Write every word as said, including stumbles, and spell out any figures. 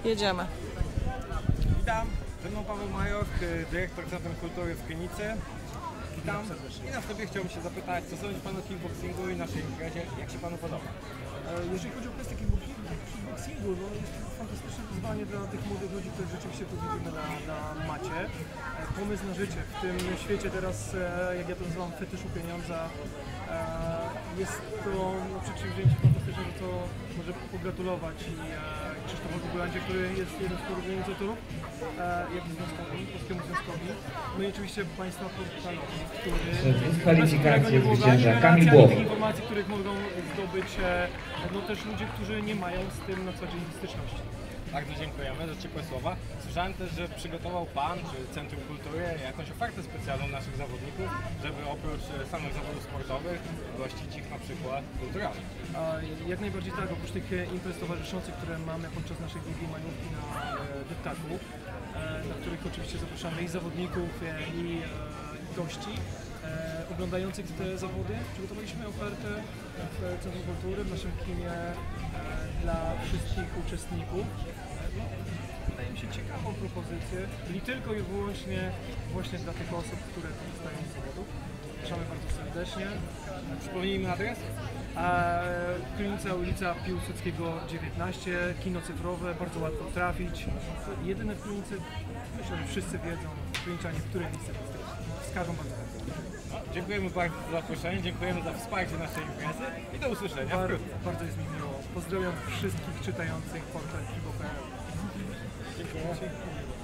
Jedziemy. Witam, ze mną Paweł Major, dyrektor Centrum Kultury w Krynicy. Witam i na wstępie chciałbym się zapytać, co sądzi Pan o kickboxingu i naszej imprezie, jak się Panu podoba? Jeżeli chodzi o kwestię kickboxingu, no jest to fantastyczne wyzwanie dla tych młodych ludzi, których rzeczywiście tu widzimy na, na macie. Pomysł na życie w tym świecie teraz, jak ja to nazywam, fetyszu pieniądza, jest to no, przedsięwzięcie fantastyczne, że to może pogratulować i Krzysztofowi Gulandzie, który jest jednym z organizatorów, jak i związkowi, Polskiemu Związkowi. No i oczywiście Państwa portalowi, który dyskwalifikację zwycięża Kamil tych Błoch. informacji, których mogą zdobyć no, też ludzie, którzy nie mają z tym na co dzień styczności. Bardzo dziękujemy za ciepłe słowa. Słyszałem też, że przygotował Pan, czy Centrum Kultury, jakąś ofertę specjalną naszych zawodników, żeby oprócz samych zawodów sportowych gościć ich na przykład kulturalnie. A jak najbardziej tak, oprócz tych imprez towarzyszących, które mamy podczas naszej długiej majówki na e, deptaku, e, na których oczywiście zapraszamy i zawodników, e, i e, gości e, oglądających te zawody, przygotowaliśmy ofertę w Centrum Kultury, w naszym kinie e, dla wszystkich uczestników. No, wydaje mi się ciekawą propozycję, czyli tylko i wyłącznie właśnie dla tych osób, które korzystają z zawodów. Zapraszamy bardzo serdecznie. Przypomnijmy adres? Krynica, ulica Piłsudskiego dziewiętnaście, kino cyfrowe, bardzo łatwo trafić. Jedyne w Krynicy, myślę, że wszyscy wiedzą, Kryniczanie, w której miejsce wskażą bardzo chętnie. No, dziękujemy bardzo za zaproszenie, dziękujemy za wsparcie naszej imprezy i do usłyszenia Bar wkrótce. bardzo jest mi miło. Pozdrawiam wszystkich czytających portal Kibo kropka p l. Dziękuję.